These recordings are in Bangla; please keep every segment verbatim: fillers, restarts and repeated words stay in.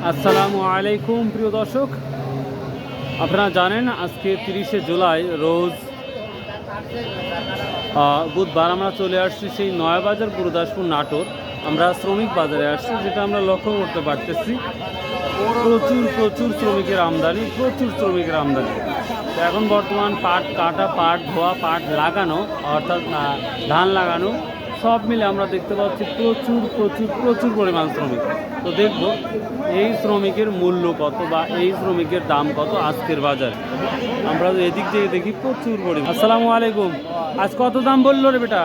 আসসালামু আলাইকুম প্রিয় দর্শক, আপনারা জানেন আজকে তিরিশে জুলাই রোজ বুধবার আমরা চলে আসছি সেই নয়াবাজার গুরুদাসপুর নাটোর। আমরা শ্রমিক বাজারে আসছি, যেটা আমরা লক্ষ্য করতে পারতেছি প্রচুর প্রচুর শ্রমিকের আমদানি, প্রচুর শ্রমিকের আমদানি। তো এখন বর্তমান পাট কাটা, পাট ধোয়া, পাট লাগানো, অর্থাৎ ধান লাগানো সব মিলে আমরা দেখতে পাচ্ছি প্রচুর প্রচুর প্রচুর পরিমাণ শ্রমিক। তো দেখব এই শ্রমিকের মূল্য কত বা এই শ্রমিকের দাম কত আজকের বাজারে। আমরা এদিক থেকে দেখি প্রচুর পরিমাণ। আসসালামু আলাইকুম, আজ কত দাম বললো রে বেটা?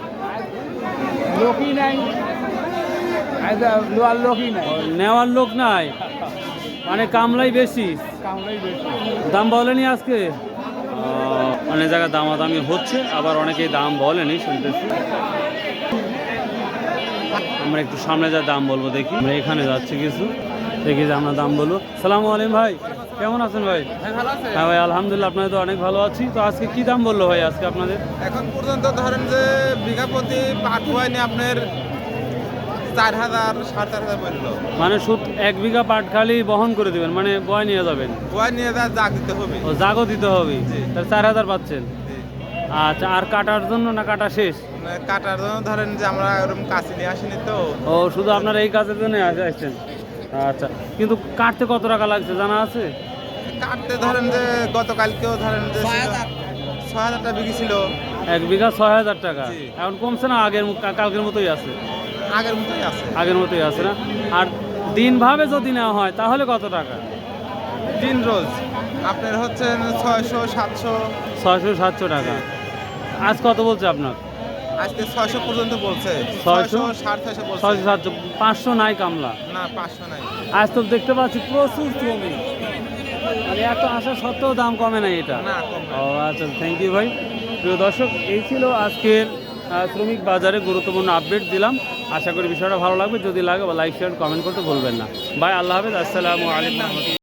লোকই নাই, লোয়ার লোকই নাই, নেওয়ার লোক নাই, মানে কামলাই বেশি, কামড়াই বেশি। দাম বলেনি আজকে? অনেক জায়গায় দামাদামি হচ্ছে, আবার অনেকেই দাম বলেনি, শুনতেছি। আমরা একটু সামনে যা দাম বলবো দেখি। আমরা এখানে যাচ্ছি কিছু, দেখি যে আমরা দাম বলবো। সালামু আলাইকুম ভাই, কেমন আছেন ভাই? হ্যাঁ ভাই আলহামদুলিল্লাহ, আপনাদের তো অনেক ভালো আছি। তো আজকে কি দাম বললো ভাই আজকে আপনাদের? এখন পর্যন্ত ধরেন যে বিঘা প্রতি পাট হয়নি আপনার চার হাজার সাড়ে চার হাজার বললো। মানে সুদ এক বিঘা পাট খালি বহন করে দিবেন, মানে বয় নিয়ে যাবেন? বয় নিয়ে যা জাগ দিতে হবে। ও জাগও দিতে হবে, তাহলে চার হাজার পাচ্ছেন। আচ্ছা, আর কাটার জন্য না কাটা শেষ? মানে কাটার জন্য ধরেন যে আমরা ওরকম কাছে নিয়ে আসিনি তো। ও শুধু আপনারা এই কাজের জন্য আসছেন? আচ্ছা, কিন্তু কাটতে কত টাকা লাগছে জানা আছে? কাটতে ধরেন যে গতকালকেও ধরেন যে ছয় হাজার টাকা বিঘি ছিল। এক বিঘা ছয় হাজার টাকা, জি। এখন কমছে না আগের মো- কা- কালকের মতোই আছে? আগের মতোই আছে। আগের মতোই আছে না? আর দিনভাবে যদি নেওয়া হয় তাহলে কত টাকা? দিন রোজ আপনার হচ্ছে ছয়শো সাতশো। ছয়শো সাতশো টাকা। আজ কত বলছে আপনার? আজকে ছয়শো পর্যন্ত বলছে। ছয়শো? ছয়শো সাড়ে ছয়শো বলছে। ছয়শো সাতশো, পাঁচশো নাই কামলা? না পাঁচশো নাই। আজ তো দেখতে পাচ্ছি প্রচুর শ্রমিক, মানে এত আসা সত্ত্বেও দাম কমে নাই এটা। না কম না। ও আচ্ছা, থ্যাংক ইউ ভাই। প্রিয় দর্শক, এই ছিল আজকের আহ, শ্রমিক বাজারে গুরুত্বপূর্ণ আপডেট দিলাম। আশা করি বিষয়টা ভালো লাগবে। যদি লাগে বা লাইক শেয়ার কমেন্ট করতে ভুলবেন না। বাই, আল্লাহ হাফেজ, আসসালামু আলাইকুম।